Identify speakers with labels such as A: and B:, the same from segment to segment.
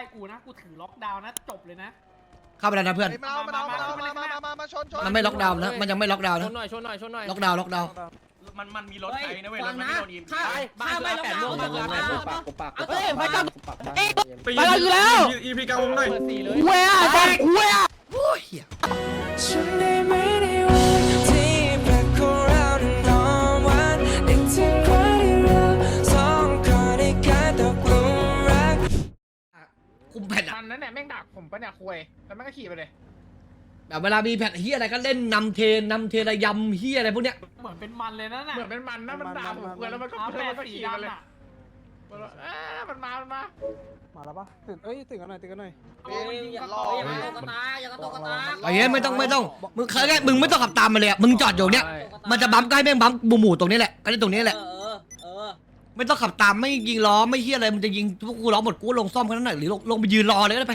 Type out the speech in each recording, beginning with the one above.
A: กูนะกูถือล็อกดาวน์นะจบเลยนะ
B: เข้าไปแล้วนะเพื่อน
C: มาชน
B: มันไม่ล็อกดาวน์นะมันยังไม่ล็อกดาวน์
D: ช
B: นะ
D: นหน่อยชนหน่อยชนหน่อย
B: ล็อกดาวน์ล็อกดาวน์
E: มันมีรถไฟนะเว้ยรถมันไม่โดนยิง
D: บ้านไม่ล็อกดาวน์
B: เฮ้ยไฟจับ
F: ไปแล้วอยู่แล้ว EP กลางวงหน่อย
D: เปิด4เลย
B: เว้ยแจ็คเว้ยโอ้ยเหี้ย
G: ฉันได้ไม่ได้วันที่แปลกของเรานอนวันนึกถึงใครเราสองคนได้กลายตกหลุมรัก
B: คุมแผ่นอะ
D: มันนั่นแหละแม่งดักผมปะเนี่ยคุยแล้วแม่งก็ขี่ไปเลย
B: แบบเวลามีแผ่นเฮียอะไรก็เล่นนำเทระยำเฮียอะไรพวกเนี้ย
A: เหมือนเป็นมันเลยนะน่ะ
D: เหมือนเป็นมันนะมันด่าผมคุยแล้วมันก็
A: เอา
D: เพื่อน
A: แป
D: มัน
A: ด
D: ก็
A: สี
D: ขี่มาเลย
A: ดำอ่ะ
D: มันมา
C: มาแล้วปะตื่นตื่นกันหน่อยตื่นกันหน่อย
A: อย่ารอ
B: ไอ้เหี้ยไม่ต้องมึงแค่มึงไม่ต้องขับตามมาเลยอะมึงจอดอยู่เนี้ยมันจะบัมใกล้แม่งบัมหมู่ตรงนี้แหละก็ได้ตรงนี้แหละไม่ต้องขับตามไม่ยิงล้อไม่เฮียอะไรมันจะยิงพวกกูล้อหมดกูลงซ่อมแค่นั้นหน่อยหรือลงไปยืนรอเลยก็ได้ไป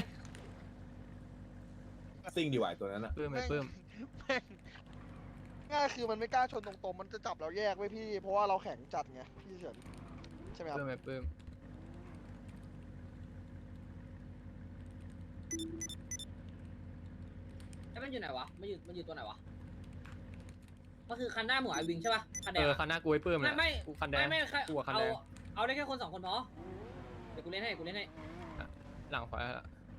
F: ซิ่งดีกว่าตัวนั้นอะ
D: ปื้มไม่ปื้ม
C: ง่ายคือมันไม่กล้าชนตรงๆมันจะจับเราแยกไว้พี่ เพราะว่าเราแข็งจัดไงพี่เฉินใช่ไหมครับ
D: ปื้มไม่ปื้ม
H: แล้วมันอยู่ไหนวะมันอยู่ตัวไหนวะก็คือคันหน้าหมูไอวิงใช่ป่ะคันแดง
D: คันหน้ากูไอ้ปื้ม
H: ไม่
D: กูคันแดง
H: ไม่
D: กูคันแดง
H: เอาได้แค่คน2 คนพอเดี๋ยวกูเล่นให้
D: หลังขวา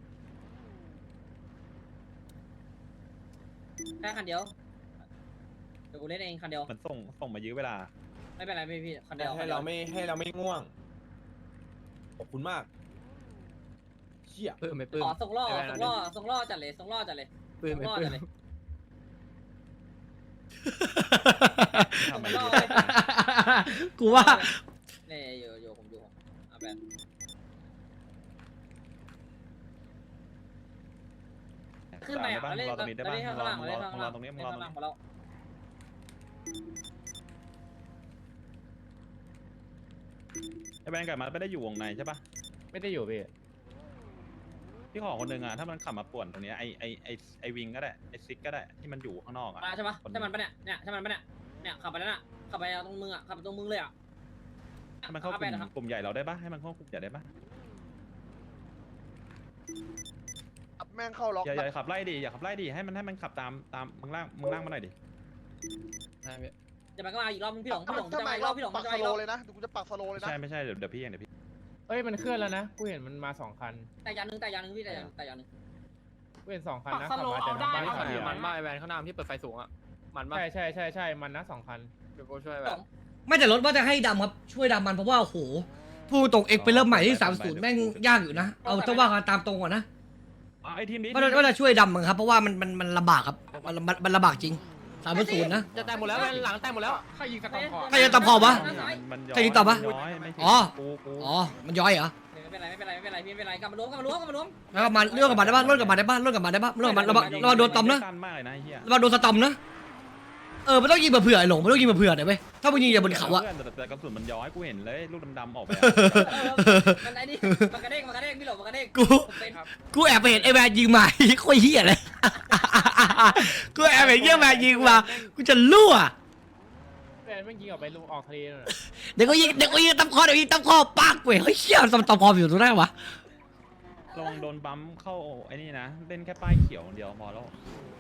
H: แค่คันเดียวเดี๋ยวกูเล่นเองคันเดียว
F: มันส่งมายื้อเวลา
H: ไม่เป็นไรพี่คันเดียว
F: ให้เราไม่ง่วงขอบคุณมากเชี่ย
D: ปื้มไม่ปื้ม
H: อ๋อส่งล่อจัดเลยส่งล่อจัดเลย
D: ปื้มไม่
H: ส่งล่อ
D: ปื้
H: จัด
D: ม
H: เลย
F: ทำไม
H: ส่ง
F: ดี
H: ล่อ
B: กูว่า
H: เนี่ยอยู่ผมเอาแบบขึ้นไปอ่ะ
F: บ้าน
H: เล่น
F: รอตรงนี้ได้บ้าง
H: ข้างล่าง
F: รอตรงนี้มึงรอตรงนี้
H: ของเรา
F: ไอ้แบงก์กับมันไม่ได้อยู่วงในใช่ปะ
D: ไม่ได้อยู่พี่
F: พี่ขอคนหนึ่งอะถ้ามันขับมาป่วนตรงนี้ไอวิงก็ได้ไอซิกก็ได้ที่มันอยู่ข้างนอกอะ
H: มาใช่ปะใช่มันปะเนี่ยใช่มันปะเนี่ยขับไปแล้วน่ะขับไปตรงมึงอ่ะขับไปตรงมึงเลยอ่ะ
F: ให้มันเข้ากลุ่มใหญ่เราได้ปะให้มันเข้ากลุ่มใหญ่ได้ปะ
C: แม่งเข้าล็อก
F: อย่าขับไล่ดิอย่าขับไล่ดิให้มันขับตามมึงล่างมาหน่อยดิ
D: ใช่พี่
H: จะมาก็มาอีกรอบพี่หลง
C: ถ้า
H: จะ
C: มา
H: มา
C: อี
H: อี
C: ก
H: ก
C: ร
H: ร
C: อ
H: อ
C: บบ
H: พี่หลง
C: ปัก
H: จะ
C: ส
H: มาอีก
C: โล
H: รอบ
C: เลยนะกูจะปักสโลเลยนะ
F: ไม่ใช่เดี๋ยวพี่เองเดี๋ยวพี่
D: เอ้ยมันเคลื่อนแล้วนะกูเห็นมันมา2 คัน
H: แต่ยางนึงพี่แต่ยางนึง
D: กูเห็น2 คันนะขับมาแต่บ้านขับมันบ้านไอ้แวนข้างหน้าที่เปิดไฟสูงอ่ะมันบ้าใช่มันนะ2 คันเดี๋ยวกูช่วยแบบ
B: ไม่แต่รถว่าจะให้ดำครับช่วยดำมันเพราะว่าโอ้โหพูดตรงเอกไปเริ่มใหม่ที่30แม่งยากอยู่นะเอาถ้าว่ากันตามตรงก่อนนะ
F: ไอทีมนี้
B: ว่าจะช่วยดำมันครับเพราะว่ามันลำบากครับมันลำบากจริง30นะ
D: จะแตกหมดแล้วหลังแตกหมดแล้วใครยิงกระตองคอ
B: ใครจะตะพอวะ
F: มันย้
B: ใครยิงต่อปะ
F: ย้อยไม่ผิด
B: อ๋อ
F: กู
B: อ๋อมันย้อยเหรอ
H: ไม่เป็นไรพี่ไม่เป็นไรกลับมาล้วง
B: แล้วก็มาเรื่องกับมันได้บ้างเรื่องกับมันได้บ้างระวังโดนตอมนะ
F: สั้นมากเลยนะไอ้เหี้ย
B: ระวังโดนสตอมนะมันต้องยิงเผื่อไอ้หลงมันต้องยิงเผื่อหน่อยเว้ยถ้ามึงยิงอย่าบนเขาอะ
F: แต่กระสุนมันย้อยกูเห็นเลยลูกดำๆออกไป
H: มันไอ้นี่มันกระเด้งพี่หลงมันกระเด้ง
B: กูแอบไปเห็นไอ้แมนยิงมาโคตรเหี้ยเลยกูแอบเห็นเหี้ยแมนยิงมากูจะรั่ว
D: แวนแม่งยิงออกไปออกทะเลน่ะ
B: เดี๋ยวกูยิงตำคอปากเว้ยเฮ้ยเชี่ยตำคออยู่ตรงไหนวะ
F: ลองโดนบัมเข้าไอ้นี่นะเล่นแค่ป้ายเขียวเดียวพอแล้ว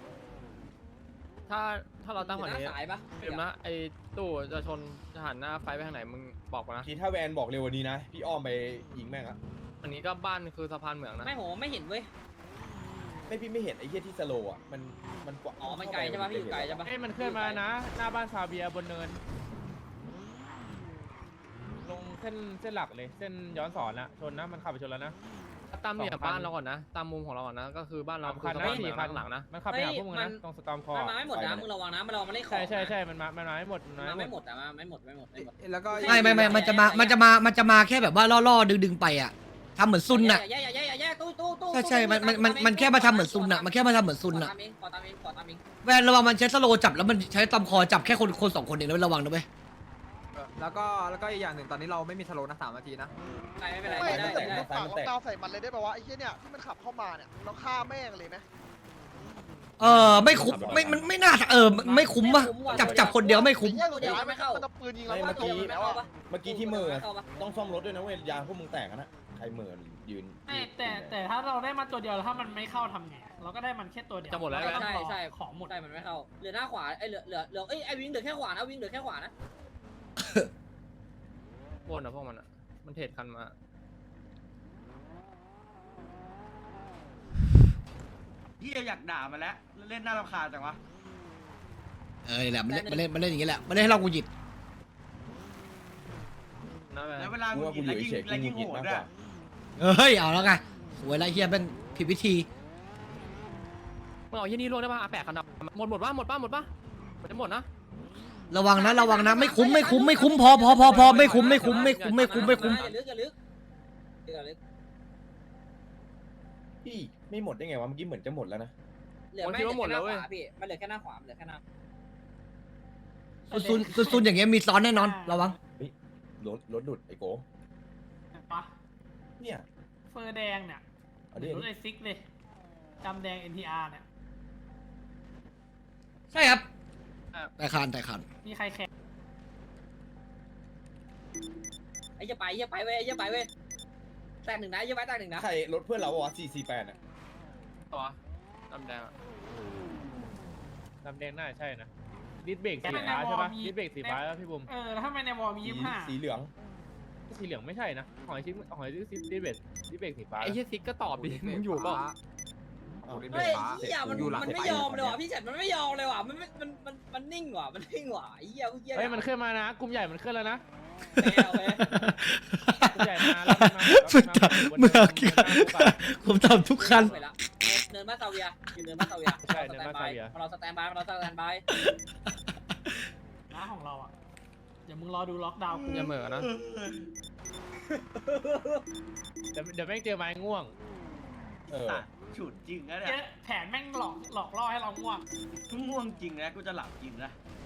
D: ถ้าเราตั้งแบบนี้
H: สายปะ
D: เดี๋ยวนะไอ้ตู้จะชนจะหันหน้าไฟไปทางไหนมึงบอกมานะ
I: ทีถ้าแวนบอกเร็วกวันนี้นะ พี่อ้อมไปยิงแม่งอะ
D: อันนี้ก็บ้านคือสะพานเหมืองนะ
H: ไม่โหไม่เห็นเว้ย
I: พี่ไม่เห็นไอ้เหี้ยที่สโลว์อะมันกว่า
H: อ๋อมันไกลใช่ปะพี่อยู่ไกลใช่ปะ
D: เอ้ยมันเคลื่อนมานะ หน้าบ้านซาเบียบนเนิน ลงเส้นหลักเลยเส้นย้อนสอนนะชนนะมันขับไปชนแล้วนะตามเนี่ยบ้านเราก่อนนะตามมุมของเราก่อนนะก็คือบ้านเราคือสะพานเหมืองหลังนะมันขับไปหาพวกมึงนะตรงสตอมคอ
H: มันมาไม่หมดนะมึงระวังนะมันไม่ได้ขอ
D: ใช่มันมาไม่หมด
H: มาไม่หมดแต่มาไม่หมด
C: แล้วก็
B: ไม่มันจะมาแค่แบบว่าล่อดึงไปอะทำเหมือนซุนน่ะ
H: แย่ตู้
B: ใช่มันแค่มาทำเหมือนซุนน่ะมันแค่มาทำเหมือนซุนน่ะ
H: ขอตามเอง
B: แวนระวังมันใช้สโลจับแล้วมันใช้ตำคอจับแค่คน2 คนเองนะระวังนะเว้ย
C: แล้วก็อีกอย่างหนึ่งตอนนี้เราไม่มีทะโลนะ3 นาทีนะ
H: ไม่เป็นไร
C: ไม่
H: ได้
C: ถ้าเกิดมึงปักล็อกดาวน์ใส่มันเลยได้ป่าววะไอ้เหี้ยเนี่ยที่มันขับเข้ามาเนี่ยเราฆ่าแม่งเลยไหม
B: ไม่คุ้มไม่น่าไม่คุ้มป่ะจับคนเดียวไม่คุ้ม
C: ไอ้เหี้ยสุดท้ายมันจะปืนยิงเรา
I: เมื่อกี้
C: แล้วอะ
I: ที่มือต้องซ่อมรถด้วยนะเว้ยยางพวกมึงแตกนะใครเหมือนยืน
A: แต่ถ้าเราได้มาตัวเดียวแล้วถ้ามันไม่เข้าทำไงเราก็ได้มันแค่ตัวเดียว
D: จะหมดแล้ว
H: ใช่
A: ของหมด
H: ใช่มันไม่เข้าเหลือหน้าขวาไอ้เหลือเอ้ยไอ้วิงเหลือแค่ขวานะวิงเหลือแค่ขวานะ
D: วนนะพวกมันอ่ะมันเทรดกันมา
E: พี่อยากด่ามันแล้วเล่นน่ารำคาญจังวะ
B: นี่แหละมันเล่นอย่างนี้แหละมันเล่นให้เรากูหยิด
E: แล้วเวลา
I: กู
E: กู
I: ว่ากู
E: กิน
I: อยู่
E: แล้วยิ่ง
I: เฉยๆกู
E: แล้วยิ่งโหด
I: หงุดหงิดมาก
E: ด้
I: ก
E: วย
I: ว่า
B: เฮ้ยเอาแล้วไงสวยแล้วเฮียเป็นผิดวิธี
D: มึงเอาที่นี่ลงได้ป่ะแปะกันดับหมดป่ะมันจะหมดนะ
B: ระวังนะไม่คุ้มพอไม่คุ้มอย่
H: าลึก
I: พี่ไม่หมดได้ไงวะเมื่อกี้เหมือนจะหมดแล้วนะ
H: เหลือไม่เหลือแค่หน้าขวาพี่มันเหลือแค่หน้าขวาเหลือแค่หน้า
B: ซุนอย่างเงี้ยมีซ้อนแน่นอนระวัง
I: รถดุดไอ้โก
A: ปะ
I: เนี่ย
A: เฟอร์แดงเนี่ย
I: อัน
A: หรื
I: นี้
A: อรถไอซิกเลยจำแดง NTR เนี่ย
B: ใช่ครับแต่คาน
A: มีใครแข่ง
H: ไอ้จะไปเว้ยแตกหนึ่งนะแตกหนึ่งนะ
I: ใครรถเพื่อนเราวะ448อ่ะ
D: ตัวดำแดงดำแดงน่าใช่นะดิสเบรกสีฟ้าใช่ป่ะดิสเบรกสีฟ้าแล้วพี่บุ๋ม
A: แล้วถ้าไม่ในวอลมี25
I: สีเหลือง
D: สีเหลืองไม่ใช่นะหอยดิสเบรกสีฟ้าไอ้เหี้ยซิกก็ตอบดิมึงอยู่เปล่า
H: เฮ้ยเหี้ยมันไม่ยอมเลยว่ะพี่เฉินมันไม่ยอมเลยว่ะมันนิ่งว่ะไอ้เหี้ยเมื่อกี้
D: เฮ้ยมันขึ้นมานะกลุ่มใหญ่มันขึ้นแล้วนะ
H: โอเค
D: กลุ่มใหญ่มาแล้ว
B: เมื่อกี้ผมทำทุกคัน
H: เนินบ้านซาเวียอยู่เนินบ้านซาเวียเราสแตนบาย
A: น้าของเราอ่ะเดี๋ยวมึงรอดูล็อกดาวน์กู
D: อย่าเหม่อนะเดี๋ยวแม่งเจอไม้ง่วง
E: ฉุดจริงนะเนี่
A: เจ๊
E: ย
A: แผนแม่งหลอกล่อให้เราง่วง
E: ง่วงจริงนะกูจะหลับจริงนะ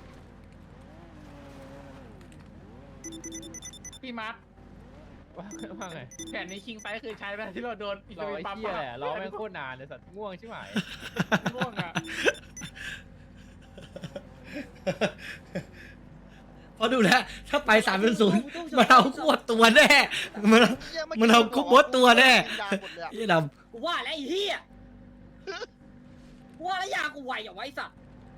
D: พี่มาร์คว่าไง
A: แผนในคิงไซคือใช้ไปที่เราโดน
D: รอไอ้เหี้ยแหละรอแม่งโคตรนานเลยสัตว์ง่วงใช่ไหม
A: ง่วงอ่ะ
B: พอดูแล้วถ้าไป3-0มันเอาขวดตัวแน่มันเอาคุกบดตัวแน่ยี่ดำ
H: กูว่าแล้วไอ้เหี้ยกูว่าแล้วยากูไวอย่างไว้สัตว์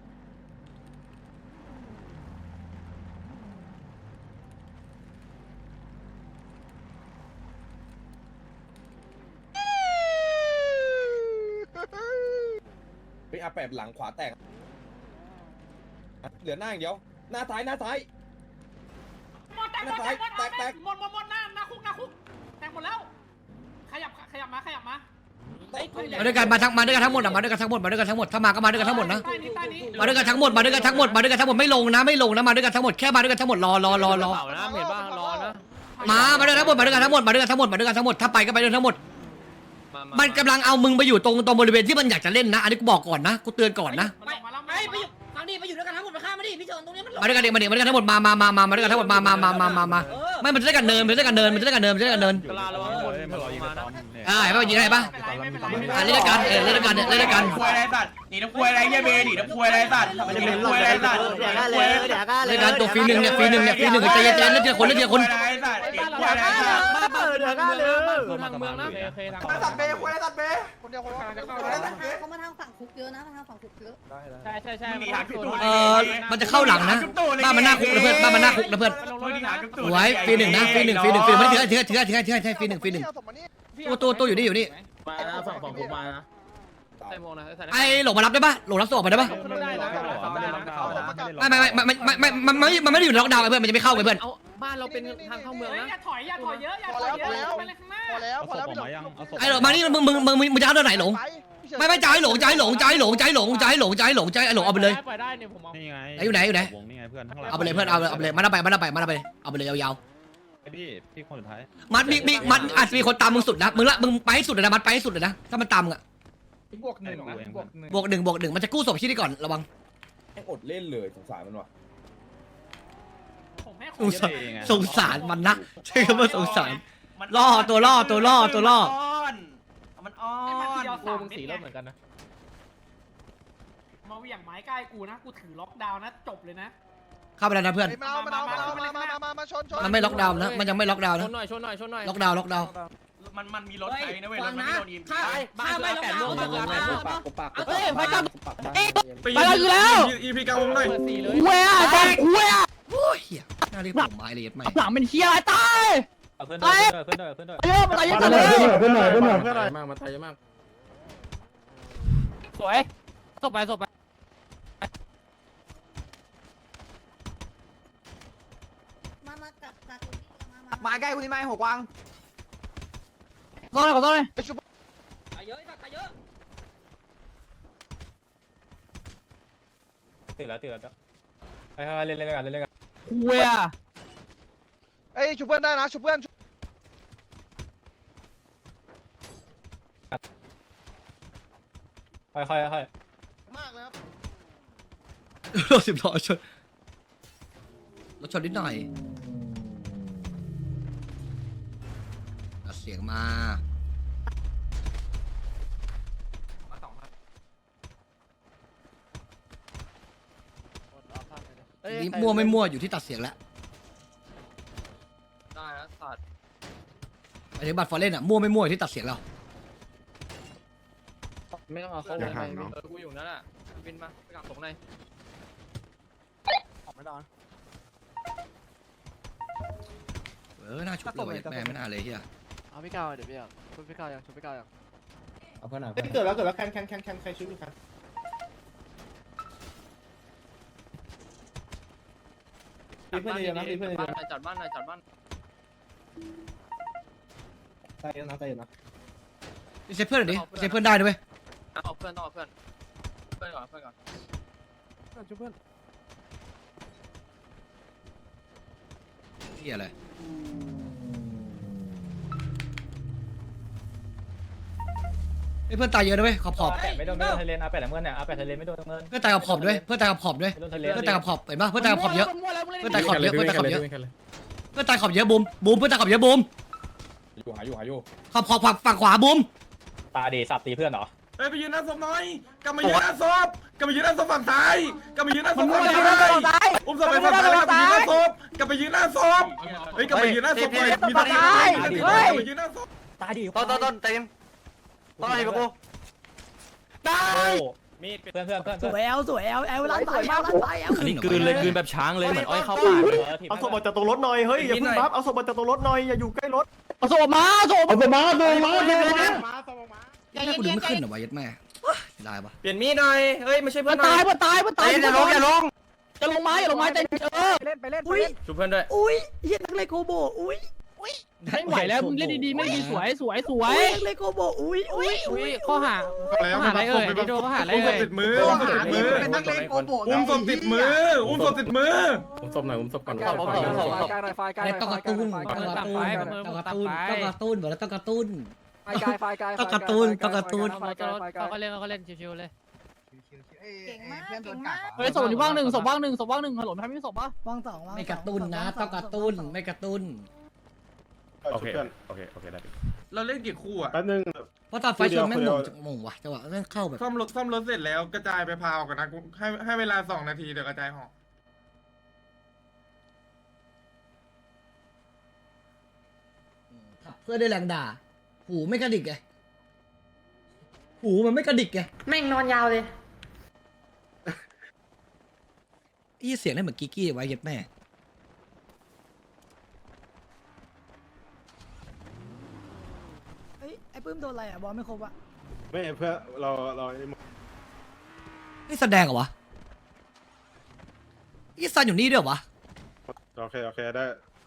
I: ไปอาแปบหลังขวาแตกเหลือหน้าอย่างเดียวหน้าซ้าย
A: หมดหน้าคุกแตกหมดแล้วขยับมา
B: มาด้วยกันมาด้วยกันทั้งหมดถ้ามาก็มาด้วยกันทั้งหมดนะ
A: ใต้นี้
B: มาด้วยกันทั้งหมดไม่ลงนะมาด้วยกันทั้งหมดแค่มาด้วยกันทั้งหมดรอ
D: เปล่านะเห็นบ้างรอนะ
B: มาด้วยกันทั้งหมดถ้าไปก็ไปด้วยทั้งหมดมันกำลังเอามึงไปอยู่ตรงบริเวณที่มันอยากจะเล่นนะอันนี้กูบอกก่อนนะกูเตือนก่อนนะ
H: ไปอยู่ฟังดิไปอยู่ด้วยกันทั้งหมดมาฆ่ามาดิพี่เฉินตรงนี้มัน
B: มาด้วยกันมาด้วยกันทั้งหมดมาด้วยกันทั้งหมดมาไม่มันจะได้กันเนิน
D: กลาระวังหมด
F: มารอยิงในตอมเนี่ย
B: เห็นป่ะยิงได้ป่ะเล่นกันเล่นกัน
E: ควยอะไรสัตว์หนีน้ำควยอะไรเงี้ยเบหนีน้ำควยอะไรสัตว์หนีน้ำควยอะไรสัตว์
B: เล่นกันตัวฟรีหนึ่งใจเย็นเล่นทีละคน
E: หนีน้ำควยอะไรสัตว์หนีน้ำควยอะไรสัตว์
D: มาเปิดเดือดกันเลยทางเมืองนะเคทาง
C: สัตว์เบย์สัตว์เบย์คนเดียว
J: เขามาทางฝั่งคุกเยอะนะมาทางฝั่งคุกเยอะ
D: ใช่
E: หนีหาจุดตูด
B: มันจะเข้าหลังนะบ้านมันหน้าคุกนะเพื่อนบ้านมันหน้าคุกนะเพื่อน
E: หนีหาจุดตูด
B: ไว้ฟรีหนึ่งนะฟรีหนึ่งไม่ถือฟรีหนึ่งตัวอยู่นี่
D: มาฝั่งผมมานะใส่โมนะ
B: ไอ้หลงมารับได้ป่ะหลงรับส่งมาได้ป่ะ
D: ไม่ได้นะ
F: ไม่ได้ล็อกดาวน์นะ
B: ไม่มันไม่ได้อยู่ในล็อกดาวน์เพื่อนมันจะไม่เข้าไปเพื่อน
D: เอาบ้านเราเป็นทางเข้าเมืองนะ
A: อย่าถอยเยอะไปเลยข้างหน้า
C: พอแล้ว
F: เอาศพออกมายังเอาศพ
B: ไอ้หลงมานี่มึงจะเอาตัวไหนหลงไม่จ่ายหลงไอ้หลงเอาไปเลย
D: ปล่อยได้เนี่ยผมเอา
F: นี่ไง
B: อยู่ไหน
F: วงนี่ไงเพื่อนข้างหลัง
B: เอาไปเลยเพื่อนเอาไปเลยมาได้ไปเอาไปเลยยาว
F: พี่คนสุดท้าย
B: ๆมันอาจจะมีคนตามมึงสุดนะมึงไปให้สุดเลยนะมันไปให้สุดเลยนะถ้ามันตามมึงอะ
D: บวกหนึ่ง
B: บวกหนึ่งมันจะกู้ศพที่นี่ก่อนระวัง
I: แม่งอดเล่นเลยสงสารมันว่ะ
A: ผมให้
B: สงสารมันนะใช่คำว่าสงสารล่อตัวล่อ
E: มันอ้อน
D: โอ้มึงสีรถเหมือนกันนะ
A: มาเหวี่ยงไม้ใกล้กูนะกูถือล็อกดาวน์นะจบเลยนะ
B: เข้าไปแล้วนะเพื่อน
C: มาชน
B: มันไม่ล็อกดาวน์นะมันยังไม่ล็อกดาวน์
D: ช
B: นะ
D: นหน่อย
B: ล็อกดาวน์
E: มันมีรถไฟนะเว้ยรถมันไม่โดนยิง
H: ข้าไม่ลงน้ำ
I: เฮ้ยไปกัน
D: ไปแล้วอยู่แล้ว
E: อีพีกลางวงหน่อย
D: เว้ยแดงเว้ย
B: โอ้ยเหี้ยน่าเรียกผมไม้เลยยัดไม่
D: หลังเป็นเฮียอะไรตาย
F: เพื่อนด้วยเพื่อนด้วยเพื่อนด้วย
D: เยอะมาตายเยอะจังเลย
I: เพื่อนหน่อยมากมาตายเยอะมาก
D: สวยศพไป
J: มากับ
I: มาใกล้คุณนี่ไหมหกวาง
D: ขอโทษเลย
H: ตายเยอะตายเยอะ
F: ตื่นแล้วไปเล่นกัน
D: เว้ย
C: เอ้ยชุบเพื่อนได้นะชุบเพื่อน
F: ค่อย
C: มากเลยครับ
B: รถ10 ล้อชนรถชนนิดหน่อยตัดเสียงมาทีนี้มั่วไม่มั่วอยู่ที่ตัดเสียงแล้ว
D: ได้แล้วสัตว์
B: ไอ้บัตรฟอร์เรนอะมั่วไม่มั่วอยู่ที่ตัดเสียงเรา
D: ไม่ต้องเอาเข้าเลยกูอยู่นั่นแหละบินมาไปกับผมหน่อย
B: น่าชุบเลยแม่ไม่น่าเลยเฮีย
I: เอาพี่ก้าวเดี๋ยวพี่ก้าวชุบพี่ก้าวยังชุบพี่ก้าวยัง
F: เอาเพื่อนหน่อย
I: เกิดแล้วแคนใครชุบอยู่ครับ
D: เพื่อนเยอะนะเพื่อนเยอะนะจัดบ้าน
I: ตายเยอะนะ
B: เซฟเพื่อนหน่อยดิเซฟเพื่อนได้ด้วย
D: เอาเพื่อนก่อน
I: ชุบเพื่อน
B: เฮียอะไรเพื่อนตายเยอะนะเว้ยขอบ
F: ไม่โดนทะเลอาแปดเงินเนี่ยอาแปดทะเลไม่โดนเงิน
B: เพื่อนตายขอบด้วยเพื่อนตายขอบด้วย
F: ไม่โดนทะเล
B: เพื่อนตายขอบเห็นปะเพื่อนตายขอบเยอะเพื่อนตายขอบเยอะเพื่อนตายขอบเยอะเพื่อนตายขอบเยอะบูมเพื่อนตายขอบเยอะบูม
F: หาอยู่
B: ขอบฝั่งขวาบูม
F: ตาดีสับตีเพื่อนเหรอ
E: เฮ้ยไปยืนหน้าศพหน่อยกลับมายืนหน้าศพกลับมายืนหน้าศพฝั่งซ้ายกลับมายืนหน้าศพฝั่งซ้ายอุ้มศพไปฝั่งซ้ายกลับมายืนหน้าศพเฮ้ยกลับมายืนหน้าศพเลยมีตาดีกลับมายืนหน้าศพ
F: ตาดี
I: ต้นเต็มต้นอะไรกู
F: มีดเพื่อน
D: สวยแอลร้านสายแอล
B: อันนี้กลืนเลยกลืนแบบ
F: ช้างเลยเหมือนอ้อยเข้าป่า
I: เอาศพออกจากตรงรถหน่อยเฮ้ยอย่าพึ่งบัฟเอาศพออกจากตรงรถหน่อยอย่าอยู่ใกล้รถ
D: เอาศพมา
B: กูดึงไม่ขึ้นเหรอวะยัดแม่ได้ปะ
I: เปลี่ยนมีดหน่อยเฮ้ยไม่ใช่เพื่
D: มั
I: อน น
D: ตายอย่าลงจะลงไม้แต่อุ้ย
I: ชุบเพื่อนด้วย
D: อุ้ยเฮียนักเลโกโบอุ้ยไม่ไหวแล้วมึงเล่นดีๆไม่ดีสวยนักเลโกโบอุ้ยข้อหาอะไรเอ่ยโดนข้อหาอะไร
E: อุ้มศ
D: เอ่
E: พ
D: ย
E: ติดมือเป็นนักเลงโกโบอุ้มศพติดมืออุ้มศพติดมือ
I: ผมศพหน่อยผมศพก่อน
B: อะไรต้องกระตุ้นบอกแล้วต้องกระตุ้นต้องกระตุ้น
D: เขาก็เล่นชิวๆเลย
J: เก่งมาก
D: เฮ้ยศพอยู่ว่างหนึ่งฮัลโหลไม่มีศพป่ะ
J: ว่างสอง
B: ไม่กระตุ้นนะต้องกระตุ้นไม่กระตุ้น
F: โอเคได้
E: เราเล่นกี่คู่อ่ะ
I: แป๊บนึง
B: เพราะตอนไฟชนแม่งมงว่ะจังหวะแม่งเข้าแบบ
E: ซ่อมรถเสร็จแล้วกระจายไปพาวกันนะให้เวลา2 นาทีเดี๋ยวกระจายห่อ
B: เพื่อได้แรงด่าหูไม่กระดิกไงหูมันไม่กระดิกไง
J: แม่งนอนยาวเลย
B: เสียงได้เหมือนกิกกี้ไว้ยัดแม่
J: ไอ้ปื้มโดนอะไรอ่ะบอลไม่ครบอ่ะ
I: ไม่เพื่อเรา
B: นี่แสดงเหรอวะนี่ซันอยู่นี่ด้วยเหรอวะ
I: โอเคได้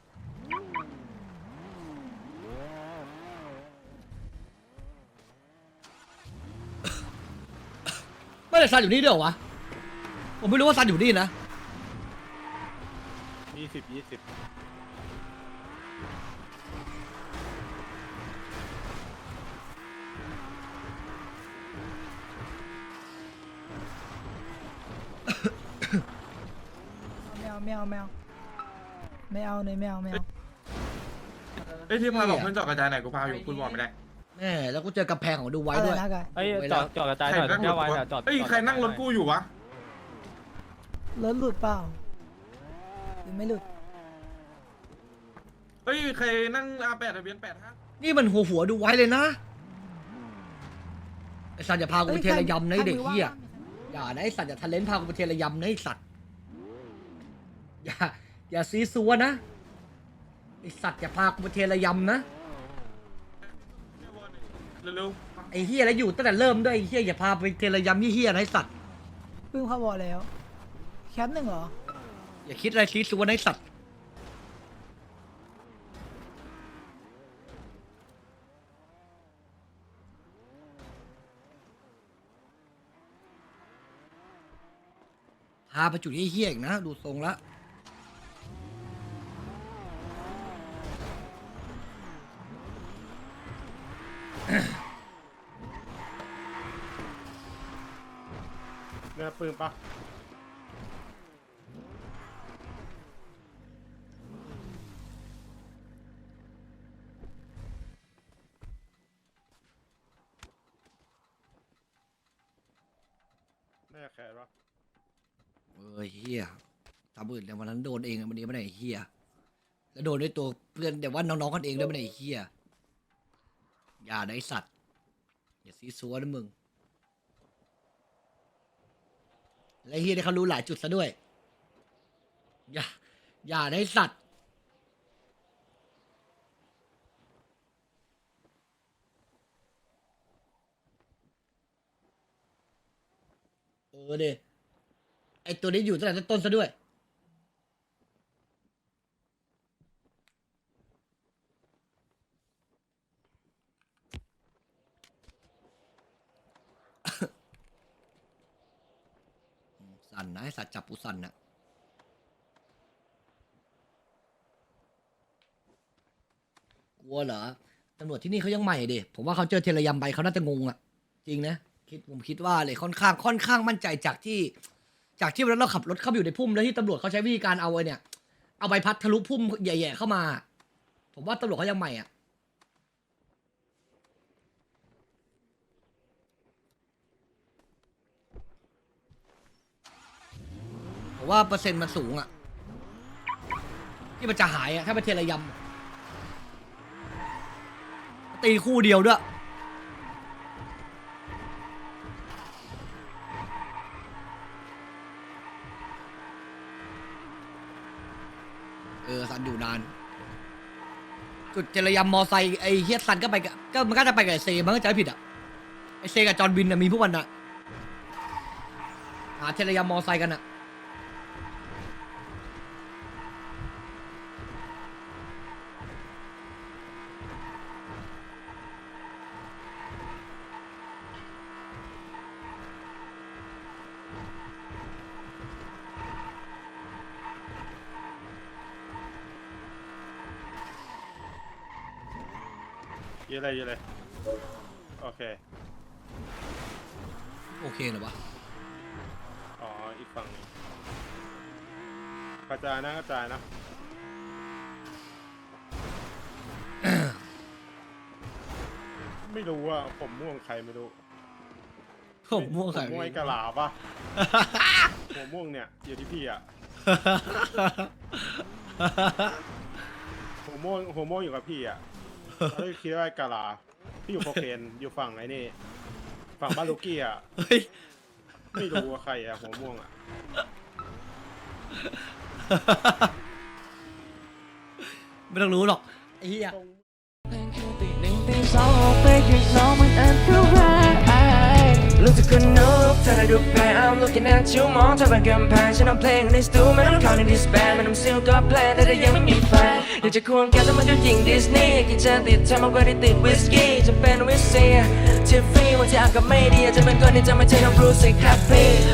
B: ไม่ได้ซันอยู่นี่ด้วยเหรอวะผมไม่รู้ว่าซันอยู่นี่นะ
I: 20
J: แมวไม่เอา
E: เอ้ยที่พาบอกเพื่อนจอดกระจายไหนกูพาอยู่คุณบอกไม่ได้
B: แม่แล้วกูเจอกำแพงของดูไว้ด้วย
F: เฮ้ยจอดกระจายหน่อยแก้วไว้จอด
E: เฮ้ยใครนั่งรถกูอยู่วะ
J: รถหลุดเปล่าหรือไม่หลุด
E: เฮ้ยใครนั่ง R8 ทะเบียน85
B: นี่มันหัวดูไว้เลยนะไอสัตว์อย่าพากูไปเทระยำนะไอ้เด็กเหี้ยอย่านะไอสัตว์อย่าทะเลนพากูไปเทระยำนะไอสัตว์อย่าซีซัวนะไอสัตว์อย่าพากูไปเทระยำนะ
E: เร็ว
B: ไอเหี้ยแล้วอยู่ตั้งแต่เริ่มด้วยไอเหี้ยอย่าพาไปเทระยำเหี้ยนะไอสัตว์
J: เพิ่งเข้าวอลแล้วแคปหนึ่งเหรอ
B: อย่าคิดอะไรซีซัวนะไอสัตว์พาไปจุดเหี้ยๆอีกนะดูทรงละ
E: ๆเนี่ยปืนปะแม่แขนปะ
B: เฮียทำอื่นแต่วันนั้นโดนเองวันนี้ไม่ได้เฮียแล้วโดนด้วยตัวเพื่อนแต่ว่าน้องๆกันเองด้วยไม่ได้เฮียอย่าได้สัตว์อย่าซีซัวนะมึงและเฮียได้เขารู้หลายจุดซะด้วยอย่าได้สัตว์เด้ไอตัวนี้อยู่ตั้งแต่ต้นซะด้วยสั่นนะไอสัตว์จับปูสั่นนะกลัวเหรอตำรวจที่นี่เขายังใหม่ดิผมว่าเขาเจอเทระยำใบเขาน่าจะงงอ่ะจริงนะผมคิดว่าเลยค่อนข้างมั่นใจจากที่วันนั้นเราขับรถเข้าไปอยู่ในพุ่มแล้วที่ตำรวจเขาใช้วิธีการเอาไอ้เนี่ยเอาใบพัดทะลุพุ่มใหญ่ๆเข้ามาผมว่าตำรวจเขายังใหม่อ่ะผมว่าเปอร์เซ็นต์มันสูงอ่ะที่มันจะหายอ่ะถ้าเป็นเทระยำตีคู่เดียวด้วยสันอยู่นานจุดเจรยำมอไซค์ไอ้เฮียสันก็ไปก็มันก็จะไปกับไอเซมันก็จะไม่ผิดอ่ะไอเซกับจอห์นวินมีพวกมันอ่ะหาเจรยำมอไซค์กันอ่ะ
E: เยอะเลยโอเค
B: โอเคเหรอวะ
E: อ๋ออีกฝั่งหนึงกระจายนะไม่รู้ว่าผมม่วงใครไม่รู้
B: ผมม่วง
E: ผ
B: ใส่
E: มม่วงไอ้กะหลาปะ ผมม่วงเนี่ยอยู่ที่พี่อะผมม่วงอยู่กับพี่อะเขาเลยคิดว่าไอ้กะหลาพี่อยู่โคเคนอยู่ฝั่งไหนนี่ฝั่งบ้านลูกี้อะ
B: เฮ้ย
E: ไม่รู้ว่าใครอะหัวม่วงอะ
B: ไม่ต้องรู้หรอกไอ้เหี้ย
G: ตีหนึ่งตีสองออกไปข้างนอกมันอันตรายลูกจะคนนกเธอได้ดูแพ้ I'm looking at you มองเธอเป็นกำแพงฉันเอาเพลงในสตูไม่ต้องเข้าในดิสแบนไม่ต้องซิลก็แพลนแต่ยังไม่มีแฟนอยากจะควงแกแต่มันก็ยิงดิสนีย์กินจะติดเธอมากกว่าที่ติดวิสกี้จะเป็นวิสเซียทิฟฟี่วันที่อากาศไม่ดีจะเป็นคนที่จะไม่ใช่น้องบรูซสิครับพี่